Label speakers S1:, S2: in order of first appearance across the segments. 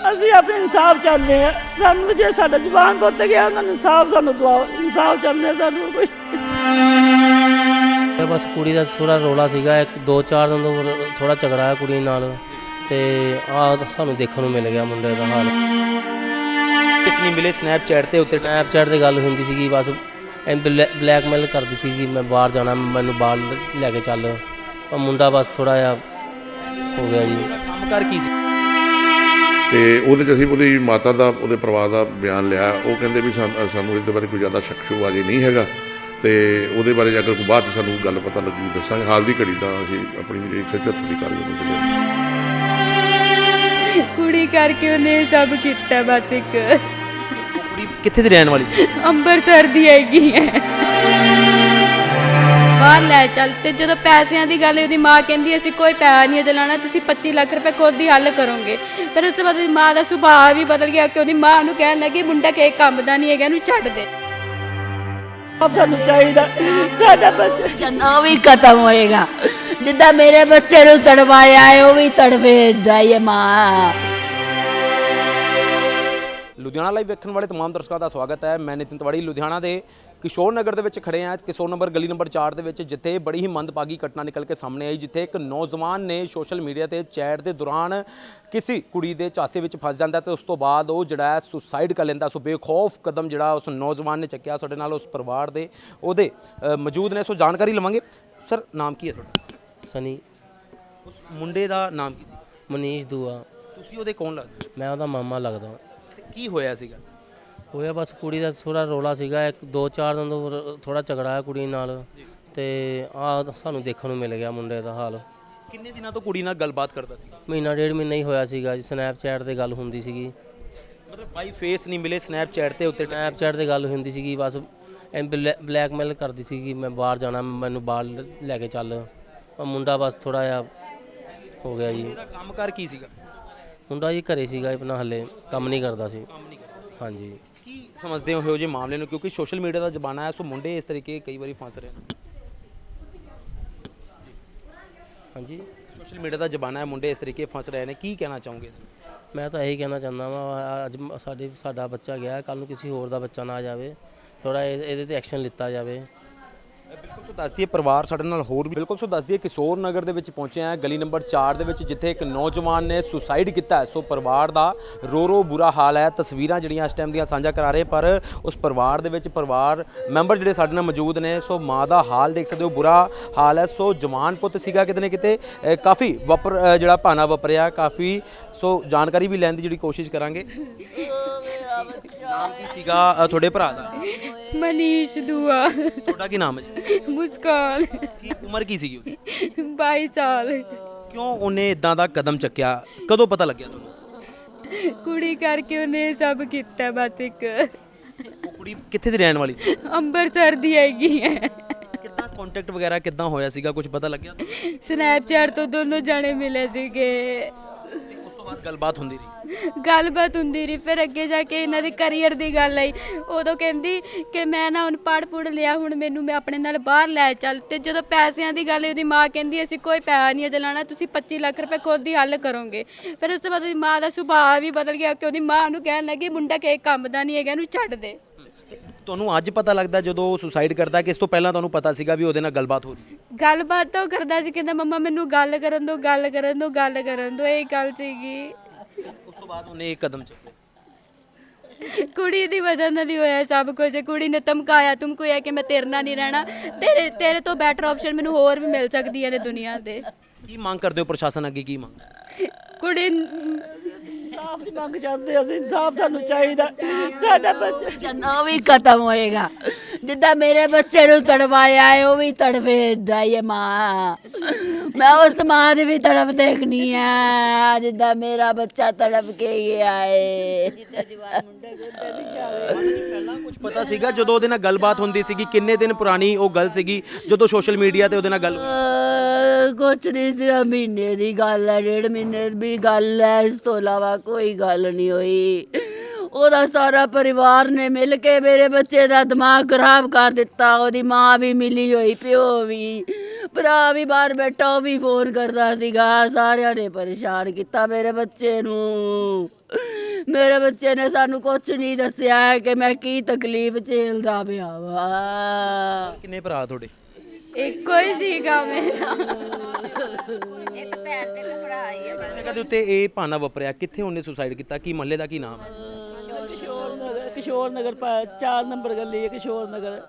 S1: ਅਸੀਂ ਆਪਣੇ ਇਨਸਾਫ ਚਾਹੁੰਦੇ ਹਾਂ। ਸਾਨੂੰ ਜੇ ਸਾਡਾ ਜ਼ੁਬਾਨ ਪੁੱਤ ਗਿਆ ਉਹਨਾਂ ਨੂੰ ਇਨਸਾਫ ਸਾਨੂੰ ਦਵਾਓ। ਇਨਸਾਫ ਚਾਹੁੰਦੇ ਸਾਨੂੰ ਕੋਈ।
S2: ਬਸ ਕੁੜੀ ਦਾ ਥੋੜ੍ਹਾ ਰੌਲਾ ਸੀਗਾ, 2-4 ਦਿਨ ਤੋਂ ਥੋੜ੍ਹਾ ਝਗੜਾ ਹੈ ਕੁੜੀ ਨਾਲ, ਤੇ ਸਾਨੂੰ ਦੇਖਣ ਨੂੰ ਮਿਲ ਗਿਆ ਮੁੰਡੇ ਦਾ ਹਾਲ।
S3: ਕਿਸ ਨਹੀਂ ਮਿਲੇ ਸਨੈਪਚੈਟ ਤੇ ਉੱਤੇ
S2: ਸਨੈਪਚੈਟ ਤੇ ਗੱਲ ਹੁੰਦੀ ਸੀਗੀ, ਬਸ ਬਲੈਕਮੇਲ ਕਰਦੀ ਸੀਗੀ, ਮੈਂ ਬਾਹਰ ਜਾਣਾ, ਮੈਨੂੰ ਬਾਹਰ ਲੈ ਕੇ ਚੱਲ। ਉਹ ਮੁੰਡਾ ਬਸ ਥੋੜ੍ਹਾ ਜਿਹਾ ਹੋ ਗਿਆ ਜੀ।
S3: ਕੰਮ ਕਰ ਕੀ ਸੀ?
S4: ਤੇ ਉਹਦੇ 'ਚ ਅਸੀਂ ਉਹਦੀ ਮਾਤਾ ਦਾ, ਉਹਦੇ ਪਰਿਵਾਰ ਦਾ ਬਿਆਨ ਲਿਆ। ਉਹ ਕਹਿੰਦੇ ਵੀ ਸਾਨੂੰ ਇਹਦੇ ਬਾਰੇ ਕੋਈ ਜ਼ਿਆਦਾ ਸ਼ੱਕ ਸ਼ੁਬਾ ਨਹੀਂ ਹੈਗਾ, ਤੇ ਉਹਦੇ ਬਾਰੇ ਜੇ ਅਗਰ ਬਾਅਦ 'ਚ ਸਾਨੂੰ ਗੱਲ ਪਤਾ ਲੱਗੀ ਦੱਸਾਂਗੇ। ਹਾਲ ਦੀ ਘੜੀ ਤਾਂ ਅਸੀਂ ਆਪਣੀ 174 ਦੀ ਕਾਰਵਾਈ ਨੂੰ ਚੱਲੇ।
S5: ਕੁੜੀ ਕਰਕੇ ਉਹਨੇ ਸਭ ਕੀਤਾ। ਬਸ ਇੱਕ
S3: ਕੁੜੀ ਕਿੱਥੇ ਦੀ ਰਹਿਣ ਵਾਲੀ ਸੀ?
S5: ਅੰਮ੍ਰਿਤਸਰ ਦੀ ਹੈਗੀ ਹੈ। ਬਾਹਰ ਲੈ ਚੱਲ, ਤੇ ਜਦੋਂ ਪੈਸਿਆਂ ਦੀ ਗੱਲ, ਉਹਦੀ ਮਾਂ ਕਹਿੰਦੀ ਅਸੀਂ ਕੋਈ ਪੈਸਾ ਨਹੀਂ ਦਿਲਾਣਾ, ਤੁਸੀਂ 25 ਲੱਖ ਰੁਪਏ ਖੁਦ ਹੀ ਹੱਲ ਕਰੋਗੇ। ਫਿਰ ਉਸ ਤੋਂ ਬਾਅਦ ਉਹਦੀ ਮਾਂ ਦਾ ਸੁਭਾਅ ਵੀ ਬਦਲ ਗਿਆ ਕਿ ਉਹਦੀ ਮਾਂ ਨੂੰ ਕਹਿਣ ਲੱਗੀ ਮੁੰਡਾ ਕਿਸੇ ਕੰਮ ਦਾ ਨਹੀਂ ਹੈਗਾ, ਇਹਨੂੰ ਛੱਡ ਦੇ।
S1: ਆਪ ਸਾਨੂੰ ਚਾਹੀਦਾ ਸਾਡਾ ਬੱਚਾ
S6: ਉਹ ਵੀ ਖਤਮ ਹੋਏਗਾ। ਜਿੱਦਾਂ ਮੇਰੇ ਬੱਚੇ ਨੂੰ ਤੜਵਾਇਆ ਹੈ ਉਹ ਵੀ ਤੜਵੇਦਾ ਹੀ ਮਾਂ।
S3: ਲੁਧਿਆਣਾ ਲਾਈਵ ਵੇਖਣ ਵਾਲੇ तमाम ਦਰਸ਼ਕਾਂ ਦਾ ਸਵਾਗਤ ਹੈ। ਮੈਂ ਨਿਤਿਨ ਤਿਵਾੜੀ ਲੁਧਿਆਣਾ ਦੇ ਕਿਸ਼ੋਰ ਨਗਰ ਦੇ ਵਿੱਚ ਖੜੇ ਹਾਂ। ਕਿਸ਼ੋਰ ਨਗਰ ਗਲੀ ਨੰਬਰ 4 ਦੇ ਵਿੱਚ, ਜਿੱਥੇ ਬੜੀ ਹੀ ਮੰਦਭਾਗੀ ਘਟਨਾ ਨਿਕਲ ਕੇ ਸਾਹਮਣੇ ਆਈ, ਜਿੱਥੇ ਇੱਕ ਨੌਜਵਾਨ ਨੇ ਸੋਸ਼ਲ ਮੀਡੀਆ ਤੇ ਚੈਟ ਦੇ ਦੌਰਾਨ ਕਿਸੇ ਕੁੜੀ ਦੇ ਝਾਂਸੇ ਵਿੱਚ ਫਸ ਜਾਂਦਾ ਤੇ ਉਸ ਤੋਂ ਬਾਅਦ ਉਹ ਜਿਹੜਾ ਹੈ ਸੁਸਾਈਡ ਕਰ ਲੈਂਦਾ। ਸੋ ਬੇਖੌਫ ਕਦਮ ਜਿਹੜਾ ਉਸ ਨੌਜਵਾਨ ਨੇ ਚੱਕਿਆ। ਸਾਡੇ ਨਾਲ ਉਸ ਪਰਿਵਾਰ ਦੇ ਉਹਦੇ ਮੌਜੂਦ ਨੇ, ਸੋ ਜਾਣਕਾਰੀ ਲਵਾਂਗੇ। ਸਰ, ਨਾਮ ਕੀ ਹੈ ਤੁਹਾਡਾ?
S2: ਸਨੀ।
S3: ਉਸ ਮੁੰਡੇ ਦਾ ਨਾਮ ਕੀ ਸੀ?
S2: ਮਨੀਸ਼ ਦੂਆ।
S3: ਤੁਸੀਂ ਉਹਦੇ ਕੌਣ ਲੱਗਦੇ ਹੋ?
S2: ਮੈਂ ਉਹਦਾ ਮਾਮਾ ਲੱਗਦਾ।
S3: ਤੇ ਕੀ ਹੋਇਆ ਸੀਗਾ?
S2: ਹੋਇਆ ਬਸ ਕੁੜੀ ਦਾ ਥੋੜ੍ਹਾ ਰੌਲਾ ਸੀਗਾ, 2-4 ਦਿਨ ਤੋਂ ਥੋੜ੍ਹਾ ਝਗੜਾ ਹੈ ਕੁੜੀ ਨਾਲ, ਤੇ ਸਾਨੂੰ ਦੇਖਣ ਨੂੰ ਮਿਲ ਗਿਆ ਮੁੰਡੇ ਦਾ ਹਾਲ।
S3: ਕਿੰਨੇ ਦਿਨਾਂ ਤੋਂ ਕੁੜੀ ਨਾਲ ਗੱਲਬਾਤ ਕਰਦਾ ਸੀ?
S2: ਮਹੀਨਾ 1.5 ਮਹੀਨਾ ਹੀ ਹੋਇਆ ਸੀਗਾ ਜੀ। ਸਨੈਪਚੈਟ ਤੇ ਗੱਲ ਹੁੰਦੀ ਸੀਗੀ,
S3: ਮਤਲਬ ਬਾਈ ਫੇਸ ਨਹੀਂ ਮਿਲੇ, ਸਨੈਪਚੈਟ ਤੇ ਉੱਤੇ
S2: ਸਨੈਪਚੈਟ ਤੇ ਗੱਲ ਹੁੰਦੀ ਸੀਗੀ, ਬਸ ਬਲੈਕਮੇਲ ਕਰਦੀ ਸੀਗੀ, ਮੈਂ ਬਾਹਰ ਜਾਣਾ, ਮੈਨੂੰ ਬਾਹਰ ਲੈ ਕੇ ਚੱਲ। ਉਹ ਮੁੰਡਾ ਬਸ ਥੋੜ੍ਹਾ ਜਿਹਾ ਹੋ ਗਿਆ ਜੀ।
S3: ਇਹਦਾ ਕੰਮ ਕਰ ਕੀ ਸੀਗਾ?
S2: ਮੁੰਡਾ ਜੀ ਘਰੇ ਸੀਗਾ ਆਪਣਾ, ਹਲੇ ਕੰਮ ਨਹੀਂ ਕਰਦਾ ਸੀ। ਹਾਂਜੀ।
S3: ਕੀ ਸਮਝਦੇ ਹੋ ਇਹੋ ਜਿਹੇ ਮਾਮਲੇ ਨੂੰ, ਕਿਉਂਕਿ ਸੋਸ਼ਲ ਮੀਡੀਆ ਦਾ ਜ਼ਮਾਨਾ ਹੈ, ਸੋ ਮੁੰਡੇ ਇਸ ਤਰੀਕੇ ਕਈ ਵਾਰੀ ਫਸ ਰਹੇ ਨੇ। ਹਾਂਜੀ, ਸੋਸ਼ਲ ਮੀਡੀਆ ਦਾ ਜ਼ਮਾਨਾ ਹੈ, ਮੁੰਡੇ ਇਸ ਤਰੀਕੇ ਫਸ ਰਹੇ ਨੇ, ਕੀ ਕਹਿਣਾ ਚਾਹੋਗੇ?
S2: ਮੈਂ ਤਾਂ ਇਹੀ ਕਹਿਣਾ ਚਾਹੁੰਦਾ ਵਾਂ, ਅੱਜ ਸਾਡਾ ਬੱਚਾ ਗਿਆ, ਕੱਲ੍ਹ ਨੂੰ ਕਿਸੇ ਹੋਰ ਦਾ ਬੱਚਾ ਨਾ ਜਾਵੇ, ਥੋੜ੍ਹਾ ਇਹਦੇ 'ਤੇ ਐਕਸ਼ਨ ਲਿੱਤਾ ਜਾਵੇ।
S3: ਬਿਲਕੁਲ। ਸੋ ਦੱਸ ਦਈਏ ਪਰਿਵਾਰ ਸਾਡੇ ਨਾਲ ਹੋਰ ਵੀ ਬਿਲਕੁਲ। ਸੋ ਦੱਸ ਦਈਏ ਕਿਸ਼ੋਰ ਨਗਰ ਦੇ ਵਿੱਚ ਪਹੁੰਚੇ ਹਾਂ, ਗਲੀ ਨੰਬਰ 4 ਦੇ ਵਿੱਚ, ਜਿੱਥੇ ਇੱਕ ਨੌਜਵਾਨ ਨੇ ਸੁਸਾਈਡ ਕੀਤਾ ਹੈ। ਸੋ ਪਰਿਵਾਰ ਦਾ ਰੋ ਬੁਰਾ ਹਾਲ ਹੈ। ਤਸਵੀਰਾਂ ਜਿਹੜੀਆਂ ਇਸ ਟਾਈਮ ਦੀਆਂ ਸਾਂਝਾ ਕਰਾ ਰਹੇ, ਪਰ ਉਸ ਪਰਿਵਾਰ ਦੇ ਵਿੱਚ ਪਰਿਵਾਰ ਮੈਂਬਰ ਜਿਹੜੇ ਸਾਡੇ ਨਾਲ ਮੌਜੂਦ ਨੇ, ਸੋ ਮਾਂ ਦਾ ਹਾਲ ਦੇਖ ਸਕਦੇ ਹੋ, ਬੁਰਾ ਹਾਲ ਹੈ। ਸੋ ਜਵਾਨ ਪੁੱਤ ਸੀਗਾ, ਕਿਤੇ ਨਾ ਕਿਤੇ ਕਾਫੀ ਜਿਹੜਾ ਭਾਣਾ ਵਾਪਰਿਆ ਕਾਫੀ। ਸੋ ਜਾਣਕਾਰੀ ਵੀ ਲੈਣ ਦੀ ਜਿਹੜੀ ਕੋਸ਼ਿਸ਼ ਕਰਾਂਗੇ। ਨਾਮ ਕੀ ਸੀਗਾ ਤੁਹਾਡੇ ਭਰਾ ਦਾ?
S5: ਮਨੀਸ਼ ਦੂਆ।
S3: ਤੁਹਾਡਾ ਕੀ ਨਾਮ ਹੈ ਜੀ?
S5: ਮੁਸਕਾਨ।
S3: ਕੀ ਉਮਰ ਕੀ ਸੀਗੀ ਉਹਦੀ?
S5: 22 ਸਾਲ।
S3: ਕਿਉਂ ਉਹਨੇ ਇਦਾਂ ਦਾ ਕਦਮ ਚੱਕਿਆ? ਕਦੋਂ ਪਤਾ ਲੱਗਿਆ ਤੁਹਾਨੂੰ?
S5: ਕੁੜੀ ਕਰਕੇ ਉਹਨੇ ਸਭ ਕੀਤਾ। ਬਸ ਇੱਕ
S3: ਉਹ ਕੁੜੀ ਕਿੱਥੇ ਦੀ ਰਹਿਣ ਵਾਲੀ ਸੀ?
S5: ਅੰਮ੍ਰਿਤਸਰ ਦੀ ਹੈਗੀ ਹੈ।
S3: ਕਿੱਦਾਂ ਕੰਟੈਕਟ ਵਗੈਰਾ ਕਿੱਦਾਂ ਹੋਇਆ ਸੀਗਾ, ਕੁਝ ਪਤਾ ਲੱਗਿਆ?
S5: ਸਨੈਪਚੈਟ ਤੋਂ ਦੋਨੋਂ ਜਾਣੇ ਮਿਲੇ ਸੀਗੇ।
S3: ਤੇ ਉਸ ਤੋਂ ਬਾਅਦ ਗੱਲਬਾਤ ਹੁੰਦੀ ਰਹੀ?
S5: ਗੱਲਬਾਤ ਹੁੰਦੀ ਰਹੀ। ਫਿਰ ਅੱਗੇ ਜਾ ਕੇ ਇਹਨਾਂ ਦੇ ਕਰੀਅਰ ਦੀ ਗੱਲ ਆਈ। ਉਦੋਂ ਕਹਿੰਦੀ ਕਿ ਮੈਂ ਨਾ ਹੁਣ ਪੜ੍ਹ ਲਿਆ, ਹੁਣ ਮੈਨੂੰ ਮੈਂ ਆਪਣੇ ਨਾਲ ਬਾਹਰ ਲੈ ਚੱਲ। ਤੇ ਜਦੋਂ ਪੈਸਿਆਂ ਦੀ ਗੱਲ, ਉਹਦੀ ਮਾਂ ਕਹਿੰਦੀ ਅਸੀਂ ਕੋਈ ਪੈਸਾ ਨਹੀਂ ਦਿਲਾਣਾ, ਤੁਸੀਂ 25 ਲੱਖ ਰੁਪਏ ਖੁਦ ਹੀ ਹੱਲ ਕਰੋਗੇ। ਫਿਰ ਉਸ ਤੋਂ ਬਾਅਦ ਉਹਦੀ ਮਾਂ ਦਾ ਸੁਭਾਅ ਵੀ ਬਦਲ ਗਿਆ ਕਿ ਉਹਦੀ ਮਾਂ ਨੂੰ ਕਹਿਣ ਲੱਗੀ ਮੁੰਡਾ ਕਿਸੇ ਕੰਮ ਦਾ ਨਹੀਂ ਹੈਗਾ, ਇਹਨੂੰ ਛੱਡ ਦੇ।
S3: ਤੁਹਾਨੂੰ ਅੱਜ ਪਤਾ ਲੱਗਦਾ ਜਦੋਂ ਸੁਸਾਈਡ ਕਰਦਾ, ਕਿ ਇਸ ਤੋਂ ਪਹਿਲਾਂ ਤੁਹਾਨੂੰ ਪਤਾ ਸੀਗਾ ਵੀ ਉਹਦੇ ਨਾਲ ਗੱਲਬਾਤ ਹੋ ਰਹੀ ਹੈ?
S5: ਗੱਲਬਾਤ ਤਾਂ ਉਹ ਕਰਦਾ ਸੀ, ਕਹਿੰਦਾ ਮੰਮਾ ਮੈਨੂੰ ਗੱਲ ਕਰਨ ਦਿਓ, ਗੱਲ ਕਰਨ ਦਿਓ, ਗੱਲ ਕਰਨ ਦਿਓ, ਇਹ ਗੱਲ ਸੀਗੀ।
S3: ਉਸ ਤੋਂ ਬਾਅਦ ਉਹਨੇ ਇੱਕ ਕਦਮ ਚੱਕਿਆ।
S5: ਕੁੜੀ ਦੀ ਵਜ੍ਹਾ ਨਾਲ ਹੀ ਹੋਇਆ ਸਭ ਕੁਝ। ਕੁੜੀ ਨੇ ਧਮਕਾਇਆ ਧਮਕਾਇਆ ਕਿ ਮੈਂ ਤੇਰੇ ਨਾਲ ਨਹੀਂ ਰਹਿਣਾ, ਤੇਰੇ ਤੋਂ ਬੈਟਰ ਆਪਸ਼ਨ ਮੈਨੂੰ ਹੋਰ ਵੀ ਮਿਲ ਸਕਦੀਆਂ ਨੇ ਦੁਨੀਆ ਤੇ।
S3: ਕੀ ਮੰਗ ਕਰਦੇ ਹੋ ਪ੍ਰਸ਼ਾਸਨ ਅੱਗੇ? ਕੀ ਮੰਗ?
S5: ਕੁੜੀ
S1: ਇਨਸਾਫ ਦੀ ਮੰਗ ਚਾਹੁੰਦੇ ਅਸੀਂ। ਇਨਸਾਫ ਸਾਨੂੰ ਚਾਹੀਦਾ ਸਾਡਾ ਬੱਚਾ
S6: ਉਹ ਵੀ ਖਤਮ ਹੋਏਗਾ। ਜਿੱਦਾਂ ਮੇਰੇ ਬੱਚੇ ਨੂੰ ਤੜਵਾਇਆ ਹੈ ਉਹ ਵੀ ਤੜਵੇਦਾ ਹੀ ਮਾਂ। ਮੈਂ ਉਸ ਮਾਂ ਦੀ ਵੀ ਤੜਪ ਦੇਖਣੀ ਹੈ, ਜਿੱਦਾਂ ਮੇਰਾ ਬੱਚਾ ਤੜਪ ਕੇ ਗਿਆ ਹੈ।
S3: ਪਹਿਲਾਂ ਕੁਝ ਪਤਾ ਸੀਗਾ ਜਦੋਂ ਉਹਦੇ ਨਾਲ ਗੱਲਬਾਤ ਹੁੰਦੀ ਸੀਗੀ? ਕਿੰਨੇ ਦਿਨ ਪੁਰਾਣੀ ਉਹ ਗੱਲ ਸੀਗੀ ਜਦੋਂ ਸੋਸ਼ਲ ਮੀਡੀਆ ਤੇ ਉਹਦੇ ਨਾਲ ਗੱਲ?
S6: ਕੁਛ ਨਹੀਂ ਸੀ, ਮਹੀਨੇ ਦੀ ਗੱਲ ਹੈ, 1.5 ਮਹੀਨੇ ਦੀ ਗੱਲ ਹੈ, ਇਸ ਤੋਂ ਇਲਾਵਾ ਕੋਈ ਗੱਲ ਨਹੀਂ ਹੋਈ। ਉਹਦਾ ਸਾਰਾ ਪਰਿਵਾਰ ਨੇ ਮਿਲ ਕੇ ਮੇਰੇ ਬੱਚੇ ਦਾ ਦਿਮਾਗ ਖਰਾਬ ਕਰ ਦਿੱਤਾ। ਉਹਦੀ ਮਾਂ ਵੀ ਮਿਲੀ ਹੋਈ, ਪਿਓ ਵੀ, ਭਰਾ ਵੀ ਬਾਹਰ ਬੈਠਾ, ਉਹ ਵੀ ਫੋਨ ਕਰਦਾ ਸੀਗਾ। ਸਾਰਿਆਂ ਨੇ ਪਰੇਸ਼ਾਨ ਕੀਤਾ ਮੇਰੇ ਬੱਚੇ ਨੂੰ। ਮੇਰੇ ਬੱਚੇ ਨੇ ਸਾਨੂੰ ਕੁਝ ਨਹੀਂ ਦੱਸਿਆ ਹੈ ਕਿ ਮੈਂ ਕੀ ਤਕਲੀਫ ਝੇਲਦਾ ਪਿਆ ਵਾ।
S3: ਕਿੰਨੇ ਭਰਾ ਤੁਹਾਡੇ?
S5: ਇੱਕੋ ਹੀ ਸੀਗਾ ਮੇਰਾ।
S3: ਕਿਸ ਜਗ੍ਹਾ ਦੇ ਉੱਤੇ ਇਹ ਭਾਣਾ ਵਾਪਰਿਆ? ਕਿੱਥੇ ਉਹਨੇ ਸੁਸਾਈਡ ਕੀਤਾ? ਕੀ ਮਹੱਲੇ ਦਾ ਕੀ ਨਾਮ ਹੈ?
S1: ਕਿਸ਼ੋਰ ਨਗਰ 4 ਨੰਬਰ ਗਲੀ ਹੈ ਕਿਸ਼ੋਰ ਨਗਰ।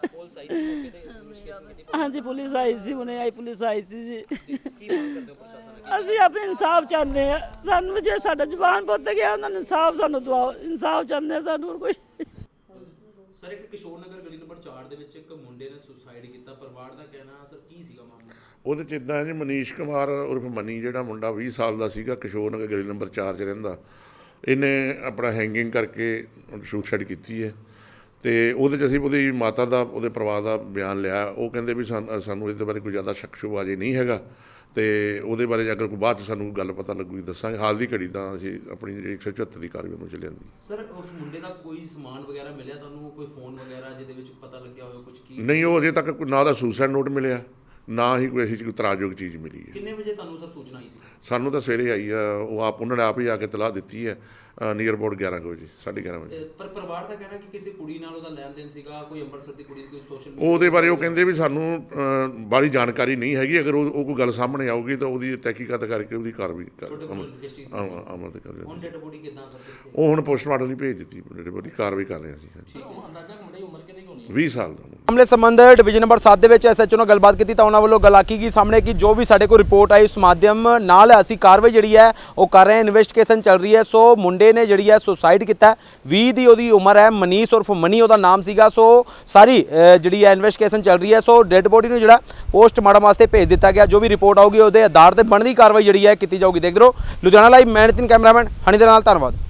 S1: ਹਾਂਜੀ ਪੁਲਿਸ ਆਈ ਸੀ, ਹੁਣੇ ਆਈ ਪੁਲਿਸ ਆਈ ਸੀ ਜੀ। ਅਸੀਂ ਆਪਣੇ ਇਨਸਾਫ ਚਾਹੁੰਦੇ ਆ, ਸਾਨੂੰ ਜੇ ਸਾਡਾ ਜਵਾਨ ਪੁੱਤ ਗਿਆ ਉਹਨਾਂ ਨੂੰ ਇਨਸਾਫ ਸਾਨੂੰ ਦਵਾਓ, ਇਨਸਾਫ ਚਾਹੁੰਦੇ ਆ ਸਾਨੂੰ ਹੋਰ ਕੋਈ।
S3: ਸਰ ਇੱਕ ਕਿਸ਼ੋਰ ਨਗਰ ਗਲੀ ਨੰਬਰ 4 ਦੇ ਵਿੱਚ ਇੱਕ ਮੁੰਡੇ ਨੇ ਸੁਸਾਈਡ ਕੀਤਾ, ਪਰਿਵਾਰ ਦਾ ਕਹਿਣਾ ਸਰ ਕੀ ਸੀਗਾ ਮਾਮਲਾ?
S4: ਉਹਦੇ 'ਚ ਇੱਦਾਂ ਜੀ, ਮਨੀਸ਼ ਕੁਮਾਰ ਉਰਫ ਮਨੀ ਜਿਹੜਾ ਮੁੰਡਾ 20 ਸਾਲ ਦਾ ਸੀਗਾ, ਕਿਸ਼ੋਰ ਨਗਰ ਗਲੀ ਨੰਬਰ 4 'ਚ ਰਹਿੰਦਾ, ਇਹਨੇ ਆਪਣਾ ਹੈਂਗਿੰਗ ਕਰਕੇ ਸੁਸਾਈਡ ਕੀਤੀ ਹੈ। ਤੇ ਉਹਦੇ 'ਚ ਅਸੀਂ ਉਹਦੀ ਮਾਤਾ ਦਾ, ਉਹਦੇ ਪਰਿਵਾਰ ਦਾ ਬਿਆਨ ਲਿਆ। ਉਹ ਕਹਿੰਦੇ ਵੀ ਸਾਨੂੰ ਇਹਦੇ ਬਾਰੇ ਕੋਈ ਜ਼ਿਆਦਾ ਸ਼ੱਕ ਸ਼ੁਬਾ ਜੇ ਨਹੀਂ ਹੈਗਾ, ਤੇ ਉਹਦੇ ਬਾਰੇ ਅਗਰ ਕੋਈ ਬਾਅਦ 'ਚ ਸਾਨੂੰ ਗੱਲ ਪਤਾ ਲੱਗੂਗੀ ਦੱਸਾਂਗੇ। ਹਾਲ ਦੀ ਘੜੀ ਤਾਂ ਅਸੀਂ ਆਪਣੀ ਜਿਹੜੀ 174 ਦੀ ਕਾਰਵਾਈ ਨੂੰ ਚੱਲਿਆ।
S3: ਸਰ ਉਸ ਮੁੰਡੇ ਦਾ ਕੋਈ ਸਮਾਨ ਵਗੈਰਾ ਮਿਲਿਆ ਤੁਹਾਨੂੰ, ਕੋਈ ਫੋਨ ਵਗੈਰਾ ਜਿਹਦੇ ਵਿੱਚ ਪਤਾ ਲੱਗਿਆ ਹੋਵੇ ਕੁਝ ਕੀ?
S4: ਨਹੀਂ, ਉਹ ਅਜੇ ਤੱਕ ਕੋਈ ਨਾ ਦਾ ਸੁਸਾਈਡ ਨੋਟ ਮਿਲਿਆ, ਨਾ ਹੀ ਕੋਈ ਕੋਈ ਤਰਾਜਯੋਗ ਚੀਜ਼ ਮਿਲੀ ਹੈ।
S3: ਕਿੰਨੇ ਵਜੇ ਤੁਹਾਨੂੰ ਸਰ ਸੂਚਨਾ ਆਈ ਸੀ?
S4: ਸਾਨੂੰ ਤਾਂ ਸਵੇਰੇ ਆਈ ਆ, ਉਹ ਉਹਨਾਂ ਨੇ ਆਪ ਹੀ ਆ ਕੇ ਤਲਾਹ ਦਿੱਤੀ ਹੈ, ਨੀਅਰ ਅਬਾਊਟ 11 ਵਜੇ, 11:30 ਵਜੇ।
S3: ਪਰ ਪਰਿਵਾਰ ਦਾ ਕਹਿਣਾ ਕਿ ਕਿਸੇ ਕੁੜੀ ਨਾਲ ਉਹਦਾ ਲੈਣ ਦੇਣ ਸੀਗਾ, ਕੋਈ ਅੰਮ੍ਰਿਤਸਰ ਦੀ ਕੁੜੀ, ਕੋਈ ਸੋਸ਼ਲ
S4: ਉਹਦੇ ਬਾਰੇ ਉਹ ਕਹਿੰਦੇ ਵੀ ਸਾਨੂੰ ਬਾਹਲੀ ਜਾਣਕਾਰੀ ਨਹੀਂ ਹੈਗੀ। ਅਗਰ ਉਹ ਕੋਈ ਗੱਲ ਸਾਹਮਣੇ ਆਊਗੀ ਤਾਂ ਉਹਦੀ ਤਹਿਕੀਕਾਤ ਕਰਕੇ ਉਹਦੀ ਕਾਰਵਾਈ ਅਮਲ ਤੇ ਕਰ
S3: ਹੁਣ ਡੈਡ ਬੋਡੀ ਕਿੱਦਾਂ ਸਰ?
S4: ਉਹ ਹੁਣ ਪੋਸਟਮਾਰਟਮ ਲਈ ਭੇਜ ਦਿੱਤੀ, ਡੈਡ ਬੋਡੀ ਕਾਰਵਾਈ ਕਰ ਰਹੇ ਸੀ।
S3: ਠੀਕ ਹੈ। ਅੰਦਾਜ਼ਾ ਮੁੰਡੇ ਦੀ ਉਮਰ ਕਿੰਨੀ ਹੋਣੀ ਹੈ?
S4: 20 ਸਾਲ ਦਾ।
S3: ਮਾਮਲੇ ਸੰਬੰਧ ਡਿਵੀਜ਼ਨ ਨੰਬਰ 7 ਦੇ ਵਿੱਚ ਐਸਐਚਓ ਨਾਲ ਗੱਲਬਾਤ ਕੀਤੀ ਤਾਂ ਉਹਨਾਂ ਵੱਲੋਂ ਗੱਲ ਆਖੀ ਗਈ ਸਾਹਮਣੇ ਕਿ ਜੋ ਵੀ ਸਾਡੇ ਕੋਲ ਰਿਪੋਰਟ ਆਈ ਉਸ ਮਾਧਿਅਮ ਨਾਲ ਅਸੀਂ ਕਾਰਵਾਈ ਜਿਹੜੀ ਹੈ ਉਹ ਕਰ ਰਹੇ ਹਾਂ, ਇਨਵੈਸਟੀਗੇਸ਼ਨ ਚੱਲ ਰਹੀ ਹੈ। ਸੋ ਮੁੰਡੇ ਨੇ ਜਿਹੜੀ ਹੈ ਸੁਸਾਈਡ ਕੀਤਾ, 20 ਦੀ ਉਹਦੀ ਉਮਰ ਹੈ, ਮਨੀਸ਼ ਉਰਫ ਮਨੀ ਉਹਦਾ ਨਾਮ ਸੀਗਾ। ਸੋ ਸਾਰੀ ਜਿਹੜੀ ਹੈ ਇਨਵੈਸਟੀਗੇਸ਼ਨ ਚੱਲ ਰਹੀ ਹੈ। ਸੋ ਡੈਡ ਬੋਡੀ ਨੂੰ ਜਿਹੜਾ ਪੋਸਟਮਾਰਟਮ ਵਾਸਤੇ ਭੇਜ ਦਿੱਤਾ ਗਿਆ। ਜੋ ਵੀ ਰਿਪੋਰਟ ਆਊਗੀ ਉਹਦੇ ਆਧਾਰ ਤੇ ਬਣਦੀ ਕਾਰਵਾਈ ਜਿਹੜੀ ਹੈ ਕੀਤੀ ਜਾਊਗੀ। ਦੇਖਦੇ ਰਹੋ ਲੁਧਿਆਣਾ ਲਾਈਵ, ਮੈਂ ਨਿਤਿਨ, ਕੈਮਰਾਮੈਨ ਹਨੀ ਦੇ ਨਾਲ, ਧੰਨਵਾਦ।